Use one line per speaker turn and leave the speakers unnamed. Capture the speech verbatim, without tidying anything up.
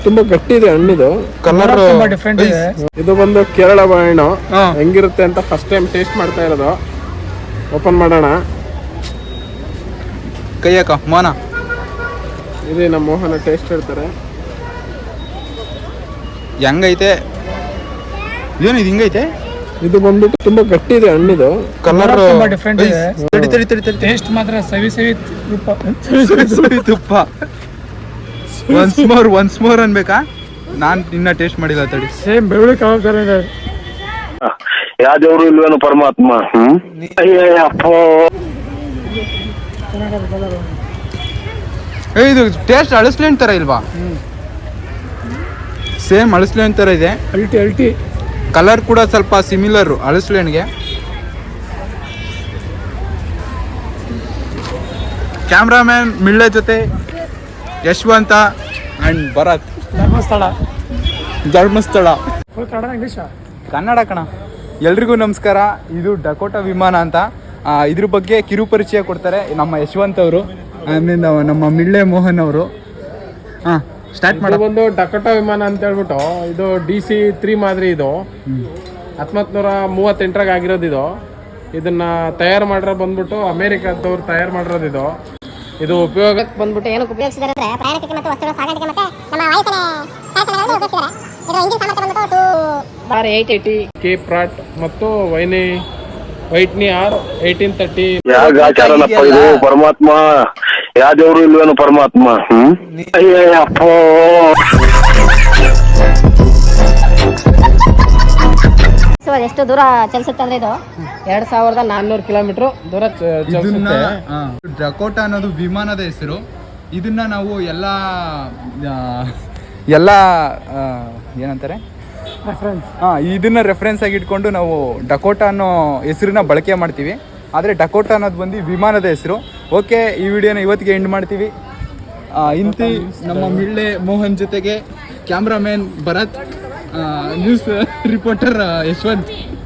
ತುಂಬಾ ಗಟ್ಟಿ ಇದೆ ಹಣ್ಣಿದು.
ಕಲರ್ ತುಂಬಾ ಡಿಫರೆಂಟ್ ಇದೆ.
ಇದು ಬಂದು ಕೇರಳ ಬಾಳೆಹಣ್ಣು. ಹೆಂಗಿರುತ್ತೆ ಅಂತ ಫಸ್ಟ್ ಟೈಮ್ ಟೇಸ್ಟ್ ಮಾಡ್ತಾ ಇರೋದು. ಓಪನ್ ಮಾಡೋಣ.
ಕೈ ಹಾಕ ಮೋಹನ.
ಇದೆ ನಮ್ಮ ಮೋಹನ ಟೇಸ್ಟ್ ಹೇಳ್ತಾರೆ.
ಹೆಂಗೈತೆ? ಏನು ಇದು ಹಿಂಗೈತೆ?
ಇದು ಬಂದ್ಬಿಟ್ಟು ತುಂಬಾ ಗಟ್ಟಿ ಇದೆ ಹಣ್ಣಿದು.
ಕಲರ್
ತುಂಬಾ ಡಿಫರೆಂಟ್ ಇದೆ.
ತಡಿ ತಡಿ ತಡಿ ತಡಿ.
ಟೇಸ್ಟ್ ಮಾತ್ರ ಸವಿ ಸವಿ ತುಪ್ಪ.
ಸವಿ ತುಪ್ಪ. ಒನ್ಸ್ ಮೋರ್ ಒನ್ಸ್ ಮೋರ್ ಅನ್ಬೇಕಾ? ನಾನ್ ಇನ್ನ ಟೇಸ್ಟ್ ಮಾಡಿಲ್ಲ ತಡಿ.
ಸೇಮ್ ಬೆಳ್ಳುಳ್ಳಿ ಕಬಾಬ್ ತರ ಇದೆ.
ಯಾವ ದೇವ್ರು ಇಲ್ವೇನು ಪರಮಾತ್ಮ.
ಏ ಇದು ಟೇಸ್ಟ್ ಅಳಸ್ಲೇನ್ ತರ ಇಲ್ವಾ? ಸೇಮ್ ಅಳಸ್ಲೇನ್ ತರ ಇದೆ.
ಅಲ್ಟಿ ಅಲ್ಟಿ.
ಕಲರ್ ಕೂಡ ಸ್ವಲ್ಪ ಸಿಮಿಲರ್ ಅಳಸ್ಲೇನ್ಗೆ. ಕ್ಯಾಮ್ರಾಮ್ಯಾನ್ ಮಿಳ್ಳೆ ಜೊತೆ ಯಶವಂತ ಅಂಡ್ ಭರತ್.
ಧರ್ಮಸ್ಥಳ.
ಧರ್ಮಸ್ಥಳ.
ಕನ್ನಡ ಇಂಗ್ಲಿಷ್?
ಕನ್ನಡ ಕಣ. ಎಲ್ರಿಗೂ ನಮಸ್ಕಾರ. ಇದು ಡಕೋಟಾ ವಿಮಾನ ಅಂತ. ಇದ್ರ ಬಗ್ಗೆ ಕಿರು ಪರಿಚಯ ಕೊಡ್ತಾರೆ ನಮ್ಮ ಯಶವಂತ್ ಅವರು, ಆಮೇಲೆ ನಮ್ಮ ಮಿಳ್ಳೆ ಮೋಹನ್ ಅವರು. ಹಾಂ ಸ್ಟಾರ್ಟ್ ಮಾಡಿ.
ಬಂದು ಡಕೋಟಾ ವಿಮಾನ ಅಂತ ಹೇಳ್ಬಿಟ್ಟು ಇದು ಡಿ ಸಿ ತ್ರೀ ಮಾದರಿ. ಇದು ಹತ್ತೊಂಬತ್ತು ನೂರ ಮೂವತ್ತೆಂಟರಾಗ ಆಗಿರೋದು. ಇದು ಇದನ್ನ ತಯಾರು ಮಾಡಿರೋ ಬಂದ್ಬಿಟ್ಟು ಅಮೇರಿಕಾದವ್ರು ತಯಾರು ಮಾಡಿರೋದು. ಇದು ಇದು ಉಪಯೋಗ
ಬಂದ್ಬಿಟ್ಟು ಏನಕ್ಕೆ ಉಪಯೋಗಿಸಿದ್ದಾರೆ ಅಂದ್ರೆ ಪ್ರಯಾಣಿಕರಿಗೆ ಮತ್ತು ವಸ್ತುಗಳ ಸಾಗಾಣಿಕೆ ಮತ್ತೆ ನಮ್ಮ ವಾಯುಸೇನೆ ಕಾರ್ಯಕ್ರಮಗಳಲ್ಲಿ ಉಪಯೋಗಿಸಿದ್ದಾರೆ. ಇದು ಇಂಜಿನ್ ಸಾಮರ್ಥ್ಯ ಬಂದ್ಬಿಟ್ಟು R eight eighty K
Pratt ಮತ್ತು ವೈನಿ ವೈಟ್ನಿ ಆರ್ ಏಯ್ಟೀನ್ ತರ್ಟಿ.
ಯಾವ ಆಚಾರನಪ್ಪ ಇದು ಪರಮಾತ್ಮ. ಯಾವ ದೇವ್ರು ಇಲ್ವೇನು ಪರಮಾತ್ಮ. ಹ್ಮ್ ಅಯ್ಯಪ್ಪ.
ಸೊ ಎಷ್ಟು ದೂರ ಚಲಿಸುತ್ತೆ ಅಂದ್ರೆ ಇದು
ಎರಡ್ ಸಾವಿರದ ನಾನ್ನೂರು ಕಿಲೋಮೀಟರ್ ದೂರ ಚಲಿಸುತ್ತೆ.
ಡಕೋಟಾ ಅನ್ನೋದು ವಿಮಾನದ ಹೆಸರು. ಇದನ್ನ ನಾವು ಎಲ್ಲ ಎಲ್ಲ ಏನಂತಾರೆ
ರೆಫರೆನ್ಸ್.
ಹಾಂ ಇದನ್ನ ರೆಫರೆನ್ಸ್ ಆಗಿ ಇಟ್ಕೊಂಡು ನಾವು ಡಕೋಟಾ ಅನ್ನೋ ಹೆಸರನ್ನ ಬಳಕೆ ಮಾಡ್ತೀವಿ. ಆದರೆ ಡಕೋಟಾ ಅನ್ನೋದು ಬಂದು ವಿಮಾನದ ಹೆಸರು. ಓಕೆ, ಈ ವಿಡಿಯೋನ ಇವತ್ತಿಗೆ ಎಂಡ್ ಮಾಡ್ತೀವಿ. ಇಂತಿ ನಮ್ಮ ಮಿಳ್ಳೆ ಮೋಹನ್ ಜೊತೆಗೆ cameraman Bharat, news reporter Yashwant.